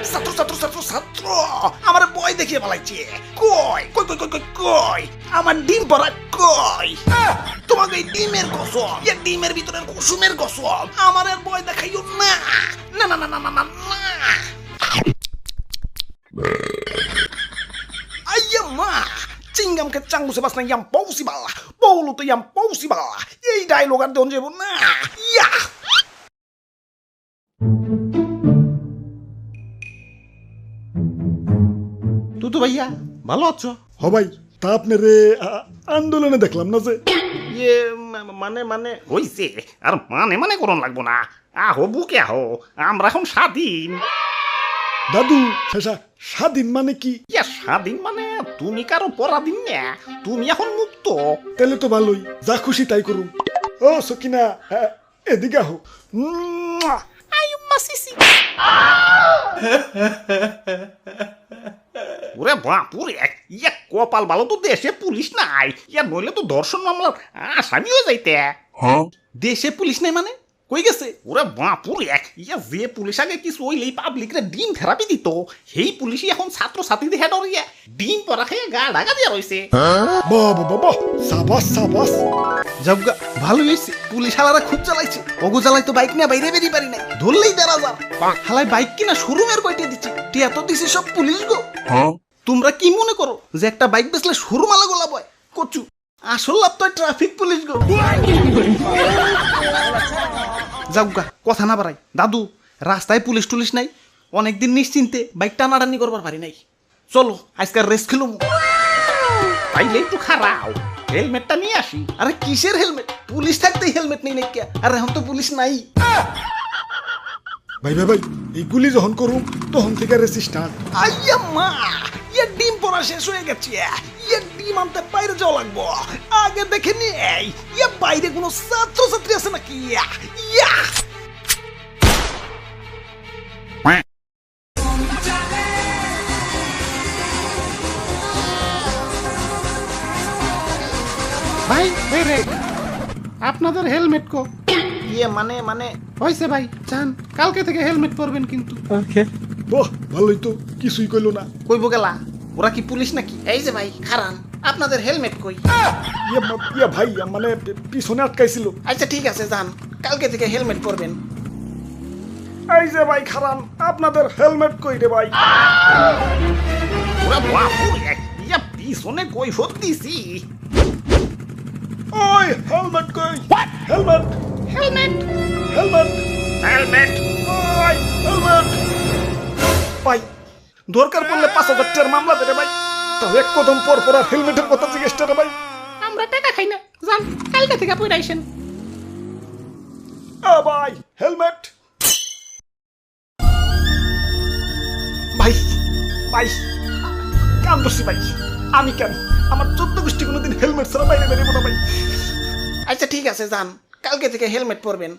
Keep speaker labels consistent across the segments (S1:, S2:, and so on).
S1: ছাত্র ছাত্র ছাত্র ছাত্র আমার বই দেখিয়ে পালাইছে। কই কই কই কই কই কই আমার ডিম পড়া কই? তোমাকে এই ডিমের কসম, এই ডিমের ভিতরের কুসুমের কসম, আমার আর বই দেখাইও না। না না না না না না না। Ayya ma, cingam ke canggu sebas na yang possible, polo to yang possible. Ei dialogue আর দেন যাব না। ইয়া
S2: তুতু ভাইয়া ভালো আছো?
S3: হ ভাই, তা আপনারে আন্দোলনে দেখলাম না যে।
S2: ইয়ে মানে মানে
S1: হইছে আর মানে মানে করন লাগবো না। আহো বুকে আহো, আমরা এখন স্বাধীন।
S3: দাদু শেষা স্বাধীন মানে কি?
S1: ইয়া স্বাধীন মানে তুমি কারো পরাধীন না, তুমি এখন মুক্ত।
S3: তাহলে তো ভালোই, যা খুশি তাই করুন। ও সকিনা, এদিকে আহো।
S1: আইম্মা সিসি। ওরে বাপুরে, ইয়া কপাল ভালো তো দেশে পুলিশ নাই, ইয়া নইলে তো ধর্ষণ মামলার আসামি হয়ে যাইতে।
S2: দেশে পুলিশ নাই মানে কই গেছে?
S1: ওরে বাপুরে, ইয়া যে পুলিশ আগে কিছু হইলেই পাবলিকরে ডিম থেরাপি দিত, সেই পুলিশই এখন ছাত্র ছাত্রীদের হেড ইয়া ডিম পরা খেয়ে গা ঢাকা দিয়া রয়েছে।
S3: বাবা বাবা, সাবাস সাবাস।
S2: জবগা ভালো হয়েছে, পুলিশ হালারা খুব চালাইছে। ওগো জ্বালাই তো বাইক নিয়ে বাইরে বেরিয়ে পারি নাই, ধরলেই ১,৫০০। হালাই বাইক কিনা শোরুমের কয়টা দিচ্ছে, টিয়া তো দিছে সব পুলিশ গো। তোমরা কি মনে করো যে একটা বাইক বেচলে শোরুম আলা গোলা বয়? কচু আসল লাভ তো ট্রাফিক পুলিশ গো। যাওগা কথা না বাড়াই, দাদু রাস্তায় পুলিশ টুলিশ নাই, অনেকদিন নিশ্চিন্তে বাইক টানাটানি করবার পারি নাই। চলো আজকাল রেস খেলুম।
S1: তাইলে একটু খারাও, হেলমেটটা নিয়ে আসি।
S2: আরে কিসের হেলমেট? পুলিশ থাকতেই হেলমেট নেই নাকি? আর এখন তো পুলিশ নাই।
S3: ভাই ভাই ভাই, এইগুলি যখন করুম তখন থেকে রেসি স্টার্ট।
S1: আইয়া মা, ইয়া ডিম পড়া শেষ হয়ে গেছে, ইয়া ডিম আনতে বাইরে যাওয়া লাগবো। আগে দেখে নেই ইয়া বাইরে কোনো ছাত্র ছাত্রী আছে নাকি। ইয়া
S4: ভাই বেরে আপনাদের হেলমেট কো?
S2: ইয়ে মানে মানে
S4: হয়েছে ভাই, চান কালকে থেকে হেলমেট পরবেন কিন্তু।
S3: বাহ, ভালোই তো, কিছুই কইলো না।
S2: কইব গেলা, ওরা কি পুলিশ নাকি? এই যে ভাই খারান, আপনাদের হেলমেট কই?
S3: ইয়া ভাই, মানে পিছনে আটকাইছিল।
S2: আচ্ছা ঠিক আছে যান, কালকে থেকে হেলমেট পরবেন।
S3: এই যে ভাই খারান, আপনাদের হেলমেট কই রে ভাই?
S1: ওরে বাপুরে, ইয়া পিছনে কই দিছি।
S3: ওই হেলমেট কই? Helmet
S1: helmet
S3: helmet
S1: helmet.
S3: ওই হেলমেট।
S2: ভাই দরকার পড়লে ৫,০০০ টাকার মামলা দেবে ভাই।
S3: তাও এক কদম পর পর আর হেলমেটের কথা জিজ্ঞেস রে ভাই।
S4: আমরা টাকা খাই না, যান কালকে থেকে পরে আইসেন।
S3: ভাই হেলমেট।
S2: ভাই ভাই কাম দোষী ভাই, আমি কেন? আমার ১৪ গোষ্ঠী কোনোদিন হেলমেট ছাড়া বাইরে বেরিয়ে না ভাই। আচ্ছা ঠিক আছে যান, কালকে থেকে হেলমেট পরবেন।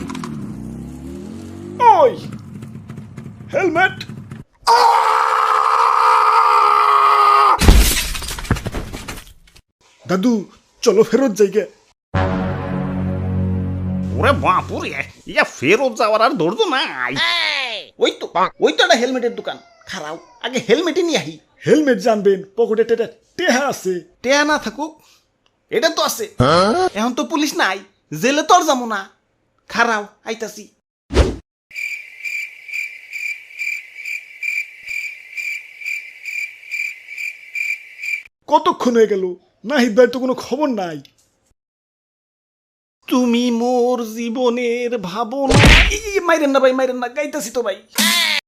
S3: ওই হেলমেট। দাদু চলো ফেরত যাইগে।
S1: ওরে বাপুরে, ইয়া ফেরত যাওয়ার আর ধৈর্য নাই।
S2: ওই তো একটা হেলমেটের দোকান, খারাও আগে হেলমেটই নিয়ে আহি।
S3: হেলমেট জানবেন, পকেটে টেহা আছে।
S2: টেয়া না থাকুক, এটা তো আছে। এখন তো পুলিশ নাই, জেলে তো আর যাবো না। খারাও আইতাছি।
S3: কতক্ষণ হয়ে গেল, নাহিদ ভাই তো কোনো খবর নাই।
S2: তুমি মোর জীবনের ভাবনা। মাইরেন না ভাই, মাইরেন না, গাইতাছি তো ভাই।